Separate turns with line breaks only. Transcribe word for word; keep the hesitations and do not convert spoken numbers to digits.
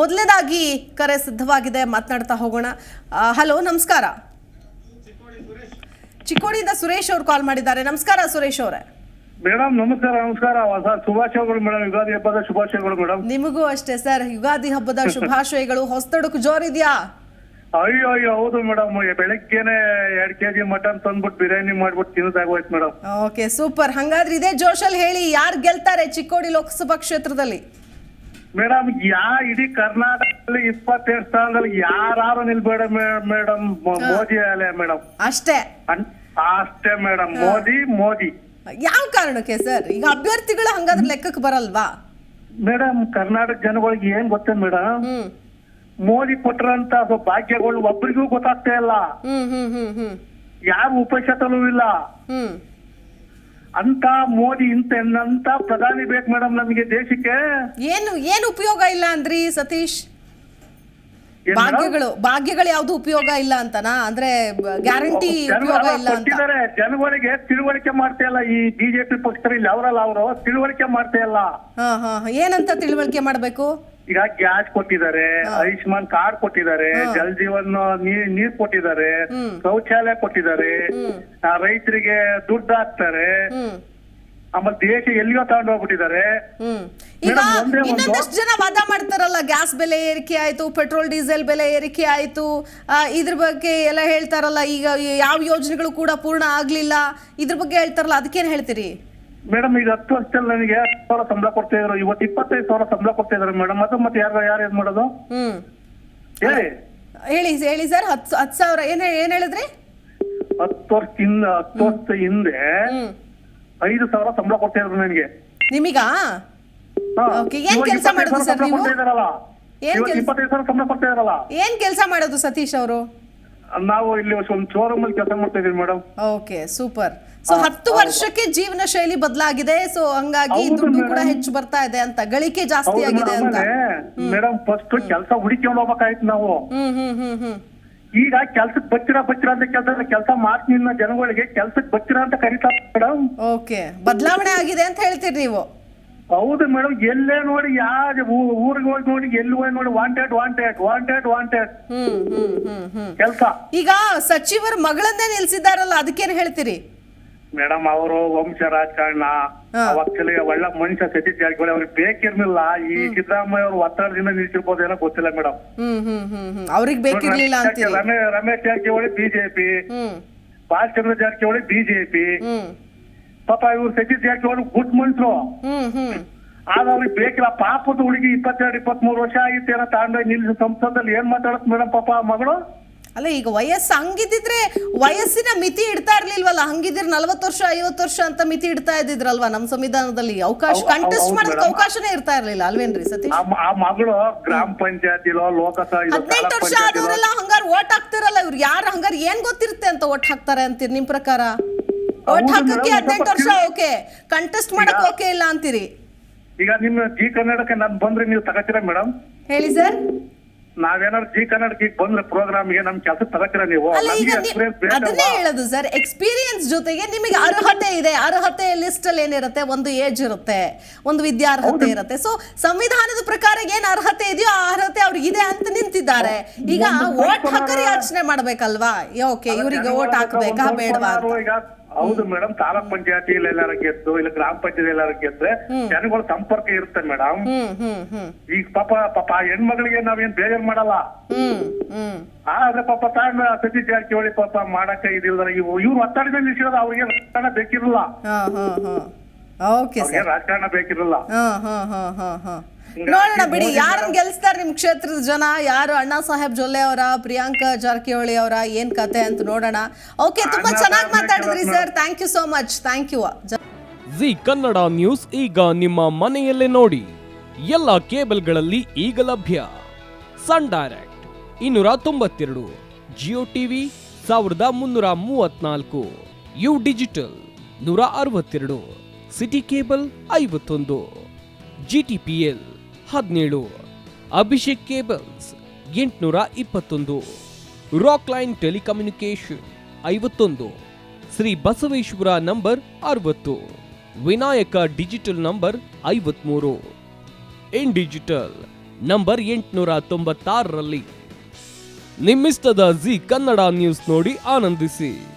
ಮೊದಲನೇದಾಗಿ ಕರೆ ಸಿದ್ಧವಾಗಿದೆ, ಮಾತನಾಡ್ತಾ ಹೋಗೋಣ. ಹಲೋ, ನಮಸ್ಕಾರ. ಚಿಕ್ಕೋಡಿಯಿಂದ ಸುರೇಶ್ ಅವರು ಕಾಲ್ ಮಾಡಿದ್ದಾರೆ. ನಮಸ್ಕಾರ ಸುರೇಶ್ ಅವರೇ.
ಮೇಡಮ್ ನಮಸ್ಕಾರ. ನಮಸ್ಕಾರ ಶುಭಾಶಯಗಳು ಮೇಡಮ್. ಯುಗಾದಿ ಹಬ್ಬದ ಶುಭಾಶಯಗಳು ಮೇಡಮ್.
ನಿಮಗೂ ಅಷ್ಟೇ ಸರ್, ಯುಗಾದಿ ಹಬ್ಬದ ಶುಭಾಶಯಗಳು. ಹೊಸತಡಕು ಜೋರಿದ್ಯಾ?
ಅಯ್ಯೋ ಅಯ್ಯೋ ಹೌದು ಮೇಡಮ್. ಬೆಳಗ್ಗೆನೆ ಎರಡ್ ಕೆಜಿ ಮಟನ್ ತಂದ್ಬಿಟ್ಟು ಬಿರಿಯಾನಿ ಮಾಡ್ಬಿಟ್ಟು ತಿನ್ನೋದಾಗೋಯ್ತು ಮೇಡಮ್.
Okay, super. ಹಂಗಾದ್ರೆ ಇದೇ ಜೋಶಲ್ಲಿ ಹೇಳಿ, ಯಾರು ಗೆಲ್ತಾರೆ ಚಿಕ್ಕೋಡಿ ಲೋಕಸಭಾ ಕ್ಷೇತ್ರದಲ್ಲಿ?
ಮೇಡಮ್ ಯಾ ಇಡೀ ಕರ್ನಾಟಕದಲ್ಲಿ ಇಪ್ಪತ್ತೆರಡು ಸ್ಥಾನದಲ್ಲಿ ಯಾರು ನಿಲ್ಬೇಡ ಮೇಡಮ್, ಮೋದಿ ಅಲ್ಲೇ ಮೇಡಮ್.
ಅಷ್ಟೇ
ಅಷ್ಟೇ ಮೇಡಮ್, ಮೋದಿ ಮೋದಿ.
ಯಾವ ಕಾರಣಕ್ಕೆ ಸರ್? ಈಗ ಅಭ್ಯರ್ಥಿಗಳು ಹಂಗಾದ್ರೆ ಲೆಕ್ಕಕ್ಕೆ ಬರಲ್ವಾ
ಮೇಡಮ್? ಕರ್ನಾಟಕ ಜನಗಳಿಗೆ ಏನ್ ಗೊತ್ತೇ ಮೇಡಮ್, ಮೋದಿ ಕೊಟ್ಟರಂತ ಭಾಗ್ಯಗಳು ಒಬ್ಬರಿಗೂ ಗೊತ್ತಾಗ್ತಾ ಇಲ್ಲ.
ಹ್ಮ್ ಹ್ಮ್ ಹ್ಮ್ ಹ್ಮ್
ಯಾರು ಉಪಶತನೂ ಇಲ್ಲ
ಹ್ಮ್
ಅಂತ ಮೋದಿ ಇಂತ ಅಂತ ಪ್ರಧಾನಿ ಬೇಕು ಮೇಡಮ್ ನಮಗೆ ದೇಶಕ್ಕೆ.
ಏನು ಏನು ಉಪಯೋಗ ಇಲ್ಲ ಅಂದ್ರಿ ಸತೀಶ್? ಭಾಗ್ಯಗಳು ಭಾಗ್ಯಗಳು ಯಾವ್ದು ಉಪಯೋಗ ಇಲ್ಲ ಅಂತನಾ? ಅಂದ್ರೆ ಗ್ಯಾರಂಟಿ ಉಪಯೋಗ ಇಲ್ಲ ಅಂತ
ಜನಗಳಿಗೆ ತಿಳುವಳಿಕೆ ಮಾಡ್ತಾ ಇಲ್ಲ ಈ ಬಿಜೆಪಿ ಪಕ್ಷದಲ್ಲಿ. ಅವರಲ್ಲ ಅವರು ತಿಳುವಳಿಕೆ ಮಾಡ್ತಾ ಇಲ್ಲ.
ಹಾ ಹಾ ಏನಂತ ತಿಳುವಳಿಕೆ ಮಾಡ್ಬೇಕು?
ಈಗ ಗ್ಯಾಸ್ ಕೊಟ್ಟಿದ್ದಾರೆ, ಆಯುಷ್ಮಾನ್ ಕಾರ್ಡ್ ಕೊಟ್ಟಿದ್ದಾರೆ, ಜಲ್ ಜೀವನ್ ನೀರ್ ನೀರ್ ಕೊಟ್ಟಿದ್ದಾರೆ, ಶೌಚಾಲಯ ಕೊಟ್ಟಿದ್ದಾರೆ, ರೈತರಿಗೆ ದುಡ್ಡು ಹಾಕ್ತಾರೆ. ಆಮೇಲೆ ದೇಶ ಎಲ್ಲಿಯೋ ತಗೊಂಡು ಹೋಗ್ಬಿಟ್ಟಿದ್ದಾರೆ.
ಈಗ ಇನ್ನೊಂದಷ್ಟು ಜನ ವಾದ ಮಾಡ್ತಾರಲ್ಲ, ಗ್ಯಾಸ್ ಬೆಲೆ ಏರಿಕೆ ಆಯ್ತು, ಪೆಟ್ರೋಲ್ ಡೀಸೆಲ್ ಬೆಲೆ ಏರಿಕೆ ಆಯ್ತು, ಇದ್ರ ಬಗ್ಗೆ ಎಲ್ಲ ಹೇಳ್ತಾರಲ್ಲ. ಈಗ ಯಾವ ಯೋಜನೆಗಳು ಕೂಡ ಪೂರ್ಣ ಆಗ್ಲಿಲ್ಲ, ಇದ್ರ ಬಗ್ಗೆ ಹೇಳ್ತಾರಲ್ಲ, ಅದಕ್ಕೇನ್ ಹೇಳ್ತೀರಿ?
ಮೇಡಮ್ ಈಗ ಹತ್ತು ವರ್ಷದಲ್ಲಿ ನನಗೆ ಹತ್ತು ಸಾವಿರ ಸಂಬಳ ಕೊಡ್ತಾ ಇದ್ರು, ಇವತ್ತು ಇಪ್ಪತ್ತೈದು ಸಾವಿರ ಸಂಬಳ ಕೊಡ್ತಾ ಇದಾರೆ ಮೇಡಮ್. ಅದು ಮತ್ತೆ ಯಾರು ಯಾರು ಏನ್ ಮಾಡೋದು
ಹ್ಮ್
ಹೇಳಿ
ಹೇಳಿ ಹೇಳಿ ಸರ್. ಹತ್ತು ಹತ್ತು ಸಾವಿರ ಏನ್ ಏನ್ ಹೇಳಿದ್ರಿ?
ಹತ್ತು ವರ್ಷದಿಂದ ಹತ್ತು ವರ್ಷ ಹಿಂದೆ ಐದು ಸಾವಿರ ಸಂಬಳ ಕೊಡ್ತಾ ಇದ್ರು ನನಗೆ.
ನಿಮಗಾ? ಏನ್ ಕೆಲಸ ಮಾಡೋದು ಸರ್ ನೀವು?
ಇಪ್ಪತ್ತೈದು ಸಾವಿರ ಸಂಬಳ ಕೊಡ್ತಾ ಇದಾರಲ್ಲ.
ಏನ್ ಕೆಲಸ ಮಾಡೋದು ಸತೀಶ್ ಅವರು?
ನಾವು ಇಲ್ಲಿ ಒಂದು ಶೋರೂಮ್ ಅಲ್ಲಿ ಕೆಲಸ ಮಾಡ್ತಾ ಇದೀವಿ ಮೇಡಮ್.
Okay, super. ಸೊ ಹತ್ತು ವರ್ಷಕ್ಕೆ ಜೀವನ ಶೈಲಿ ಬದಲಾಗಿದೆ, ಸೊ ಹಂಗಾಗಿ ದುಡ್ಡು ಕೂಡ ಹೆಚ್ಚು ಬರ್ತಾ ಇದೆ ಅಂತ, ಗಳಿಕೆ ಜಾಸ್ತಿ ಆಗಿದೆ ಅಂತ.
ಮೇಡಮ್ ಫಸ್ಟ್ ಕೆಲಸ ಹುಡುಕೊಂಡು ಹೋಗ್ಬೇಕಾಯ್ತು ನಾವು.
ಹ್ಮ್ ಹ್ಮ್ ಹ್ಮ್ ಹ್ಮ್
ಈಗ ಕೆಲ್ಸಕ್ ಬಚ್ಚಿರ ಬಚ್ಚಿರ ಅಂತ ಕೆಲಸ ಕೆಲಸ ಮಾಡ್ತೀನಿ ಜನಗಳಿಗೆ ಕೆಲ್ಸಕ್ ಬಚ್ಚಿರ ಅಂತ ಕರೀತಾರೆ ಮೇಡಮ್.
ಓಕೆ, ಬದಲಾವಣೆ ಆಗಿದೆ ಅಂತ ಹೇಳ್ತೀರಿ ನೀವು?
ಹೌದು ಮೇಡಮ್. ಎಲ್ಲೇ ನೋಡಿ ಯಾರ ಊರಿಗೆ ಹೋಗಿ ನೋಡಿ ಎಲ್ಲಿ ಹೋಗಿ ನೋಡಿ ವಾಂಟೆಡ್ ವಾಂಟೆಡ್ ವಾಂಟೆಡ್ ವಾಂಟೆಡ್ ಕೆಲಸ.
ಈಗ ಸಚಿವರ ಮಗಳನ್ನೇ ನಿಲ್ಸಿದಾರಲ್ಲ, ಅದಕ್ಕೇನ್ ಹೇಳ್ತೀರಿ?
ಮೇಡಮ್ ಅವರು ವಂಶ ರಾಜಕಾರಣ, ಆಕ್ಚುಲಿ ಒಳ್ಳೆ ಮನುಷ್ಯ ಸತೀಶ್ ಜಾರಕಿಹೊಳಿ ಅವ್ರಿಗೆ ಬೇಕಿರ್ಲಿಲ್ಲ. ಈ ಸಿದ್ದರಾಮಯ್ಯ ಅವರು ಒತ್ತಡದಿಂದ ನಿಲ್ಸಿರ್ಬೋದು ಏನೋ ಗೊತ್ತಿಲ್ಲ ಮೇಡಮ್.
ಹ್ಮ್ ಹ್ಮ್ ಹ್ಮ್ ಅವ್ರಿಗೆ ಬೇಕಿರ್ಲಿಲ್ಲ ಅಂತ.
Ramesh Jarkiholi BJP, Balachandra Jarkiholi BJP. ಪಾಪ ಇವ್ರು ಸತೀಶ್ ಜಾರಕಿಹೊಳಿ ಗುಡ್ ಮನುಷ್ಯರು, ಆದ್ರೆ ಅವ್ರಿಗೆ ಬೇಕಿಲ್ಲ. ಪಾಪದ ಹುಡುಗಿ ಇಪ್ಪತ್ತೆರಡು ಇಪ್ಪತ್ತ್ ಮೂರು ವರ್ಷ ಆಗಿತ್ತು ಏನೋ ತಾಂಡ ನಿಲ್ಸಿ ಸಂಸದಲ್ಲಿ ಏನ್ ಮಾತಾಡತ್ ಮೇಡಮ್ ಪಾಪ ಮಗಳು.
ಅಲ್ಲ, ಈಗ ವಯಸ್ಸು ಹಂಗಿದ್ರೆ ವಯಸ್ಸಿನ ಮಿತಿ ಇಡ್ತಾ ಇರ್ಲಿಲ್ವಲ್ಲ? ಹಂಗಿದ್ರೆ ನಲ್ವತ್ತು ವರ್ಷ ಐವತ್ತು ವರ್ಷ ಅಂತ ಮಿತಿ ಇಡ್ತಾ ಇದ್ದಿದ್ರಲ್ವಾ ನಮ್ಮ ಸಂವಿಧಾನದಲ್ಲಿ? ಅವಕಾಶ ಕಂಟೆಸ್ಟ್ ಮಾಡೋದಕ್ಕೆ ಅವಕಾಶನೇ ಇರ್ತಾ ಇರ್ಲಿಲ್ಲ ಅಲ್ವೇನ್ರಿ ಸತೀಶ್?
ಆ ಮಗಳು ಗ್ರಾಮ ಪಂಚಾಯತಿಲೋ ಲೋಕಸಭಾ
ಹದಿನೆಂಟು ವರ್ಷ ಆದವರೆಲ್ಲ ಹಂಗಾರ ಓಟ್ ಹಾಕ್ತಿರಲ್ಲ. ಇವ್ರು ಯಾರು ಹಂಗಾರ ಏನ್ ಗೊತ್ತಿರುತ್ತೆ ಅಂತ ಓಟ್ ಹಾಕ್ತಾರೆ ಅಂತೀರಿ ನಿಮ್ ಪ್ರಕಾರ? ಓಟ್ ಹಾಕಕ್ಕೆ ಹದಿನೆಂಟು ವರ್ಷ ಓಕೆ, ಕಂಟೆಸ್ಟ್ ಮಾಡಕ್ ಓಕೆ ಇಲ್ಲ ಅಂತೀರಿ?
ಈಗ ನಿಮ್ಮ ಜಿ ಕನ್ನಡಕ್ಕೆ ನಾನ್ ಬಂದ್ರೆ ನೀವು ತಗೋತೀರಾ ಮೇಡಮ್?
ಹೇಳಿ ಸರ್.
ನಾವೇನಾದ್ರು ಜಿ ಕನ್ನಡಕ್ಕೆ ಬಂದ್ರೆ ಪ್ರೋಗ್ರಾಮ್ಗೆ ನಮ್ ಕೆಲಸ ತಗೋತೀರಾ ನೀವು?
ಅದನ್ನೇ ಹೇಳೋದು ಸರ್, ಎಕ್ಸ್ಪೀರಿಯನ್ಸ್ ಜೊತೆಗೆ ನಿಮಗೆ ಅರ್ಹತೆ ಇದೆ. ಅರ್ಹತೆ ಲಿಸ್ಟ್ ಅಲ್ಲಿ ಏನಿರುತ್ತೆ, ಒಂದು ಏಜ್ ಇರುತ್ತೆ, ಒಂದು ವಿದ್ಯಾರ್ಹತೆ ಇರುತ್ತೆ. ಸೊ ಸಂವಿಧಾನದ ಪ್ರಕಾರ ಏನ್ ಅರ್ಹತೆ ಇದೆಯೋ ಆ ಅರ್ಹತೆ ಅವ್ರಿಗೆ ಇದೆ ಅಂತ ನಿಂತಿದ್ದಾರೆ. ಈಗ ಓಟ್ ಹಾಕರಿ ಯೋಚನೆ ಮಾಡ್ಬೇಕಲ್ವಾ? ಓಕೆ, ಇವರಿಗೆ ಓಟ್ ಹಾಕ್ಬೇಕಾ ಬೇಡವಾ?
ಹೌದು ಮೇಡಮ್. ತಾಲೂಕ್ ಪಂಚಾಯತಿ ಎಲ್ಲಾರ ಗೆದ್ದು, ಇಲ್ಲ ಗ್ರಾಮ ಪಂಚಾಯತಿ ಎಲ್ಲಾರ ಗೆದ್ರೆ ಜನಗಳ ಸಂಪರ್ಕ ಇರುತ್ತೆ ಮೇಡಮ್. ಈಗ ಪಾಪ ಪಾಪ ಹೆಣ್ಮಗಳಿಗೆ ನಾವೇನ್ ಬೇಜಾರ್ ಮಾಡಲ್ಲ. ಆದ್ರೆ ಪಾಪ ತಾಂಡ ಸತೀಶ್ ಜಾರಕಿಹೊಳಿ ಪಾಪ ಮಾಡಕ ಇದಿಲ್ಲ. ಇವು ಇವ್ರು ಒತ್ತಡದಲ್ಲಿ ನಿಲ್ಸಿರೋದು, ಅವ್ರಿಗೆ ರಾಜಕಾರಣ ಬೇಕಿರಲ್ಲ. ರಾಜಕಾರಣ ಬೇಕಿರಲ್ಲ.
ನೋಡೋಣ ಬಿಡಿ, ಯಾರನ್ನ ಗೆಲ್ಸ್ತಾರೆ ನಿಮ್ ಕ್ಷೇತ್ರದ ಜನ, ಯಾರು ಅಣ್ಣಾ ಸಾಹೇಬ್ ಜೊಲ್ಲೆ ಅವರ, ಪ್ರಿಯಾಂಕಾ ಜಾರಕಿಹೊಳಿ ಅವರ, ಏನ್ ಕತೆ ಅಂತ ನೋಡೋಣ. ಓಕೆ, ತುಂಬಾ ಚೆನ್ನಾಗಿ ಮಾತಾಡಿದ್ರಿ sir. Thank you so much. Thank you.
Zee Kannada news ಈಗ ನಿಮ್ಮ ಮನೆಯಲ್ಲೇ ನೋಡಿ. ಎಲ್ಲ ಕೇಬಲ್ಗಳಲ್ಲಿ ಈಗ ಲಭ್ಯ. ಸನ್ ಡೈರೆಕ್ಟ್ ಇನ್ನೂರ ತೊಂಬತ್ತೆರಡು, ಜಿಯೋ ಟಿವಿ ಸಾವಿರದ ಮುನ್ನೂರ ಮೂವತ್ನಾಲ್ಕು, ಯು ಡಿಜಿಟಲ್ ನೂರ ಅರವತ್ತೆರಡು, ಸಿಟಿ ಕೇಬಲ್ ಐವತ್ತೊಂದು, ಜಿ ಟಿ ಪಿ ಎಲ್ ಹದಿನೇಳು, ಅಭಿಷೇಕ್ ಕೇಬಲ್ಸ್ ಎಂಟುನೂರ ಇಪ್ಪತ್ತೊಂದು, ರಾಕ್ ಲೈನ್ ಟೆಲಿಕಮ್ಯುನಿಕೇಶನ್ ಐವತ್ತೊಂದು, ಶ್ರೀ ಬಸವೇಶ್ವರ ನಂಬರ್ ಅರವತ್ತು, ವಿನಾಯಕ ಡಿಜಿಟಲ್ ನಂಬರ್ ಐವತ್ಮೂರು, ಇನ್ ಡಿಜಿಟಲ್ ನಂಬರ್ ಎಂಟುನೂರ ತೊಂಬತ್ತಾರರಲ್ಲಿ. ನಿಮ್ಮಿಸ್ತದ ಜಿ ಕನ್ನಡ ನ್ಯೂಸ್ ನೋಡಿ ಆನಂದಿಸಿ.